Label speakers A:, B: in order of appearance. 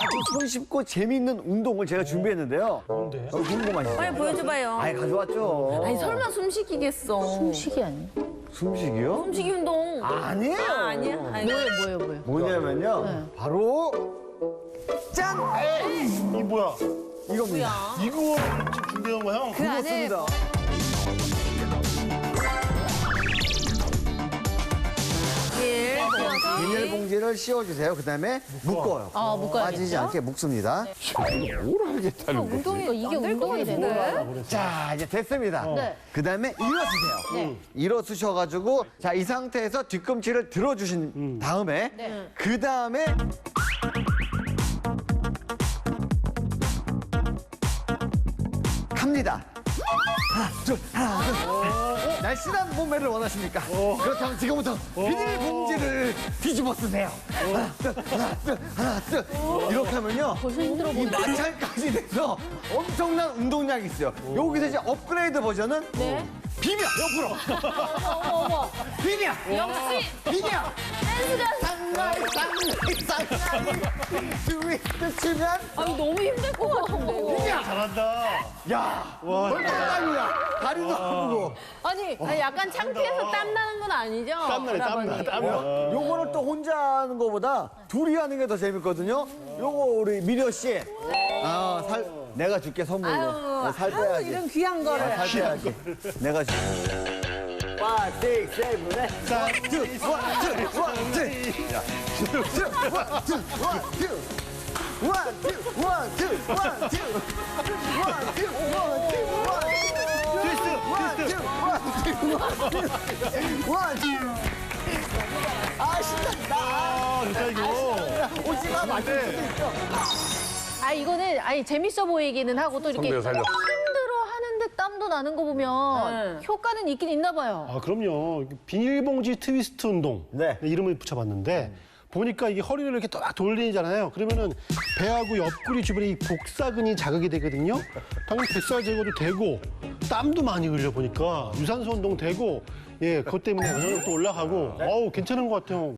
A: 손쉽고 재미있는 운동을 제가 준비했는데요.
B: 뭔데?
A: 궁금하시죠?
C: 빨리 보여줘봐요.
A: 아이, 가져왔죠.
C: 아니 설마 숨쉬기겠어.
D: 숨쉬기 아니야?
A: 숨쉬기요?
C: 숨쉬기 운동.
A: 아니에요.
C: 아니야? 아니.
D: 뭐예요?
A: 뭐냐면요. 바로 짠!
B: 이 뭐야?
A: 이겁니다.
B: 이거 준비한 거야, 형?
A: 그렇습니다. 비닐봉지를 씌워주세요. 그 다음에 묶어요.
D: 묶어야겠죠?
A: 빠지지 않게 묶습니다.
E: 뭘 하겠다는 거지?
D: 이게 운동이 되네.
A: 자, 이제 됐습니다.
D: 네.
A: 그 다음에 일어서세요.
D: 네.
A: 일어서셔가지고, 자, 이 상태에서 뒤꿈치를 들어주신 다음에, 그 다음에, 갑니다. 하나, 둘. 날씬한 몸매를 원하십니까? 그렇다면 지금부터 비닐봉지를 뒤집어 쓰세요. 하나, 둘. 이렇게 하면요.
D: 벌써 힘들어
A: 이
D: 보이네.
A: 마찰까지 돼서 엄청난 운동량이 있어요. 여기서 이제 업그레이드 버전은
D: 네.
A: 비벼 옆으로
D: 어머.
A: 비벼
D: 역시
A: 비벼
D: 댄스가
A: 쌍라이 트위스트 치면
D: 아니 너무 힘들 것 같은데. 이거.
A: 비벼
B: 잘한다.
A: 야 벌써 땀이야 다리도 아프고
D: 아니 약간 창피해서 땀 나는 건 아니죠?
B: 땀나네,
D: 할아버지?
B: 땀나.
A: 요거를 또 혼자 하는 거보다 둘이 하는 게 더 재밌거든요. 요거 우리 미려 씨 내가 줄게 선물로 살 빼야지
C: 이런 귀한 거를.
A: 살 빼야지 내가 줄게 5, 6, 7, 8 1, 2, 1, 2, 1, 2, 1, 2, 1, 2, 1, 2, 1, 2, 1, 2, 아 신난다.
B: 아, 진짜 이거.
A: 오지마 맞을 수도 있어.
D: 이거는 재밌어 보이기는 하고 또 이렇게
E: 선배가 살렸어.
D: 힘들어 하는데 땀도 나는 거 보면 효과는 있긴 있나 봐요.
B: 아, 그럼요. 비닐봉지 트위스트 운동.
A: 네.
B: 이름을 붙여봤는데 보니까 이게 허리를 이렇게 딱 돌리잖아요. 그러면은 배하고 옆구리 주변에 이 복사근이 자극이 되거든요. 당연히 뱃살 제거도 되고 땀도 많이 흘려 보니까 유산소 운동 되고 그것 때문에 면역력도 올라가고 어우 괜찮은 것 같아요.